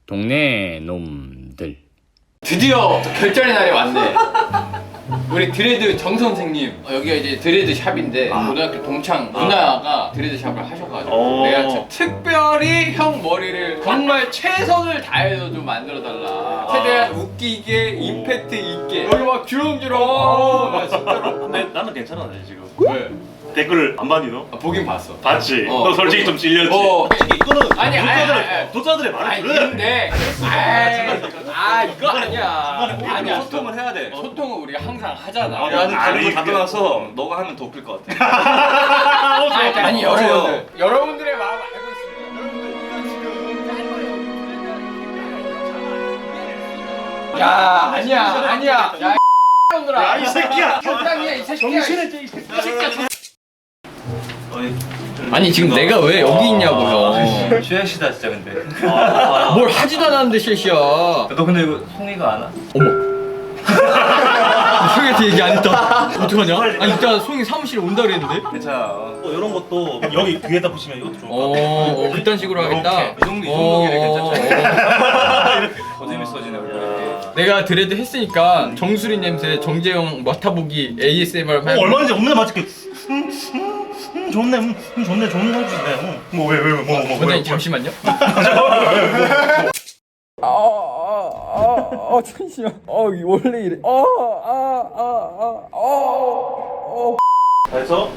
동네 놈들. 드디어 결전의 날이 왔네. 우리 드레드 정 선생님, 여기가 이제 드레드 샵인데 고등학교 동창 누나가 드레드 샵을 하셔가지고 내가 진짜 특별히 형 머리를 정말 최선을 다해서 좀 만들어 달라. 최대한 웃기게 임팩트 있게. 여기 막 주렁주렁. 나 진짜로. 근데 나는 괜찮았네 지금. 왜? 댓글을 안 봤니 너? 보긴 봤어. 봤지? 너 솔직히 좀 찔렸지? 솔직히 이거는 독자들의 말을 아니 들어야 돼. 근데 이거 아니야. 아니야. 소통을 해야 돼. 소통은 우리가 항상 하잖아. 나는 아니, 그런 거 그게- 답변해서 너가 하면 더 웃길 것 같아. 아니 여러분들의 마음 알고 있습니다. 여러분들 야 아니야 야 놈들아 이 새끼야! 적당히야 이 새끼야 정신을 이 새끼야! 아니 지금 내가 왜 여기 있냐고요. 쉐시다 진짜 근데. 뭘 하지도 않았는데 실시야. 너 근데 이거 송이가 안 와? 어머 송이한테 얘기 안 했다. 어떡하냐? 아니 이따 송이 사무실에 온다 그랬는데. 괜찮아. 이런 것도 여기 귀에다 붙이면 이것도 좋을 것 같아. 그딴 식으로 하겠다. 이 정도 길이 괜찮죠? 더 재밌어지네 얼굴이. 내가 드레드 했으니까 정수리 냄새 정재영 맡아보기 ASMR 할 얼마든지 없는 맛있게 좋네 좋네 좋은 거 해주시네. 뭐 원장님 잠시만요. 잠시만. 원래 이래. 그래서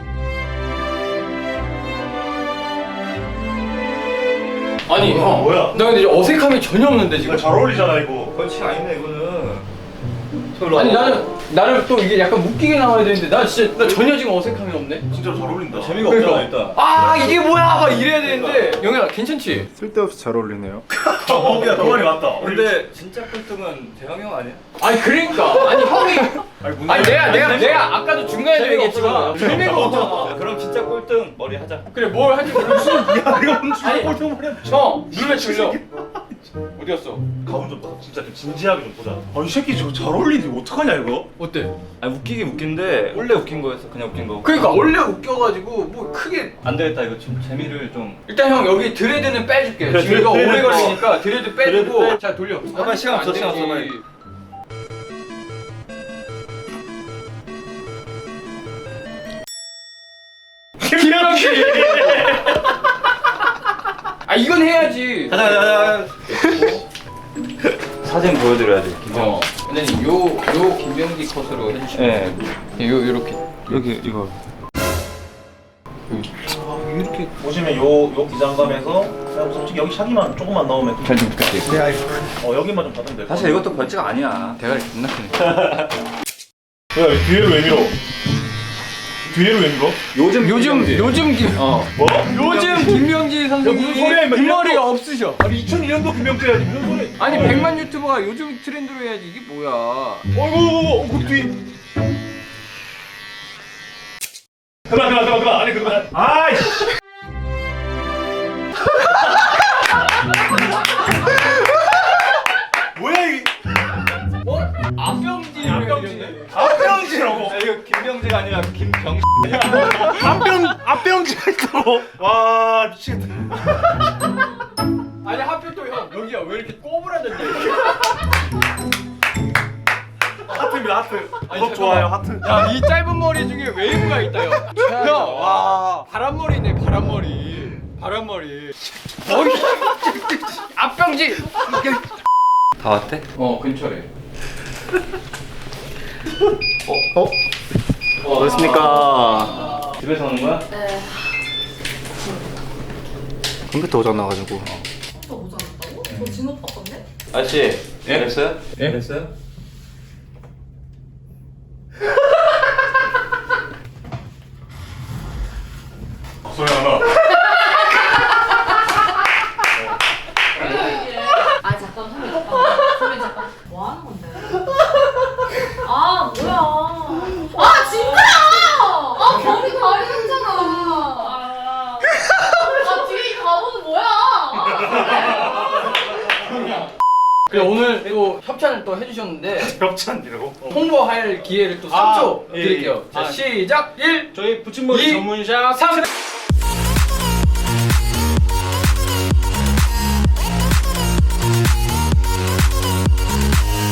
아니 형, 뭐야? 나 근데 어색함이 전혀 없는데 지금. 이거 잘 어울리잖아 이거. 그렇지 아니네 이거는. 아니 나는 또 이게 약간 웃기게 나와야 되는데 나 전혀 지금 어색함이 없네. 진짜로 잘 어울린다. 재미가 없잖아 일단. 이게 뭐야 막 이래야 되는데 영현아 괜찮지? 쓸데없이 잘 어울리네요. 야, 그 말이 맞다. 근데 진짜 꼴등은 대형이 형 아니야? 아니 그러니까 아니 형이 아니 내가 아까도 중간에 얘기했지만 재미가 없잖아. 그럼 진짜 꼴등 머리 하자. 그래 뭘 하지 모르 무슨 야 이거 무슨 아니, 꼴등 말이야. 형 눈에 들려. 어디였어? 가운 좀 보자. 진짜 좀 진지하게 좀 보자. 이 새끼 저 잘 어울리는데 어떡하냐 이거? 어때? 아니 웃기긴 웃긴데 원래 웃긴 거였어 그냥 웃긴 거. 그러니까 원래 웃겨가지고 뭐 크게 안 되겠다 이거 좀 재미를 좀. 일단 형 여기 드레드는 빼줄게. 그래, 지금 이거 드레드 오래 빼. 걸리니까 드레드 빼주고 드레드 빼. 자 돌려. 빨리 시간 없어, 시간 없어, 빨리. 김명기. 이건 해야지. 가자. 사진 보여드려야지. 근데 요 김명기 컷으로 해주시면. 네. 요렇게. 여기 이거. 이렇게 보시면 요 기장감에서 그냥 솔직히 여기 샤기만 조금만 넣으면 잘 좀 부탁드릴게요. 여기만 좀 받으면 돼. 사실 이것도 벌칙 아니야. 대가리 존나 크네. 야 뒤에를 왜 밀어? 뒤에를 왜 밀어? 요즘 뭐? 요즘 김명지 선생님이 무슨 소리야, 임마. 뒷머리가 없으셔. 아니 2002년도 김명재야지 무슨 소리? 아니 100만 유튜버가 요즘 트렌드로 해야지 이게 뭐야? 어이구 그 뒤. 그만 아니 그만. 아이씨. 뭐야 이게? 앞병지라고. 이거 김병재가 아니라 김병. 앞병지가 있다고. 와 미치겠다. 아니 하필 또 형 여기가 왜 이렇게 꼬부라졌냐? 하트입니다 하트. 아니, 좋아요 하트. 야 이 짧은 머리 중에 웨이브가 있다 형. 형, 와 바람머리네 바람머리. 앞병지. 다 왔대? 근처래. 그렇습니까? 집에서 오는 거야? 네. 컴퓨터 오장 나가지고. 또 모자 놨다고? 저 진오빠 건데? 아저씨. 됐어요? 예? 됐어요? 소리 하나. 잠깐 선배 잠깐 뭐 하는 건데? 뭐야 진짜야! 머리 가리잖아 뒤에 이 가보는 뭐야? 그래 오늘 또 협찬을 또 해주셨는데 벽찬이라고? 홍보할 기회를 또 3초 예, 드릴게요. 예. 자 시작 1 저희 붙임머리 이, 전문샵 3